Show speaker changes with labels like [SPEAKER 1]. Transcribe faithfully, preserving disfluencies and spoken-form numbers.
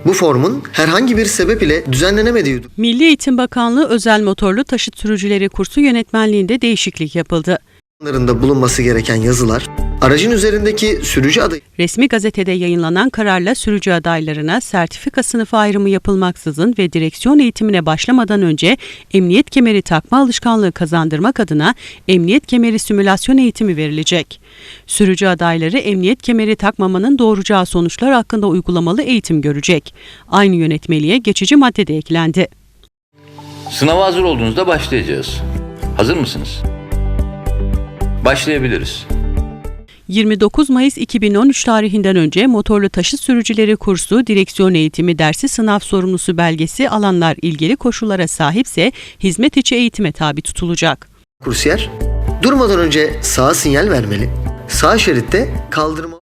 [SPEAKER 1] Bu formun herhangi bir sebep ile düzenlenemediği
[SPEAKER 2] Milli Eğitim Bakanlığı özel motorlu taşıt sürücüleri kursu yönetmenliğinde değişiklik yapıldı.
[SPEAKER 1] durumlarında bulunması gereken yazılar, aracın üzerindeki sürücü adayı
[SPEAKER 2] Resmi gazetede yayınlanan kararla sürücü adaylarına sertifika sınıfı ayrımı yapılmaksızın ve direksiyon eğitimine başlamadan önce emniyet kemeri takma alışkanlığı kazandırmak adına emniyet kemeri simülasyon eğitimi verilecek. Sürücü adayları emniyet kemeri takmamanın doğuracağı sonuçlar hakkında uygulamalı eğitim görecek. Aynı yönetmeliğe geçici madde de eklendi.
[SPEAKER 3] Sınava hazır olduğunuzda başlayacağız. Hazır mısınız? Başlayabiliriz.
[SPEAKER 2] yirmi dokuz Mayıs iki bin on üç tarihinden önce motorlu taşıt sürücüleri kursu, direksiyon eğitimi dersi sınav sorumlusu belgesi alanlar ilgili koşullara sahipse hizmet içi eğitime tabi tutulacak.
[SPEAKER 1] kursiyer durmadan önce sağa sinyal vermeli, sağ şeritte kaldırma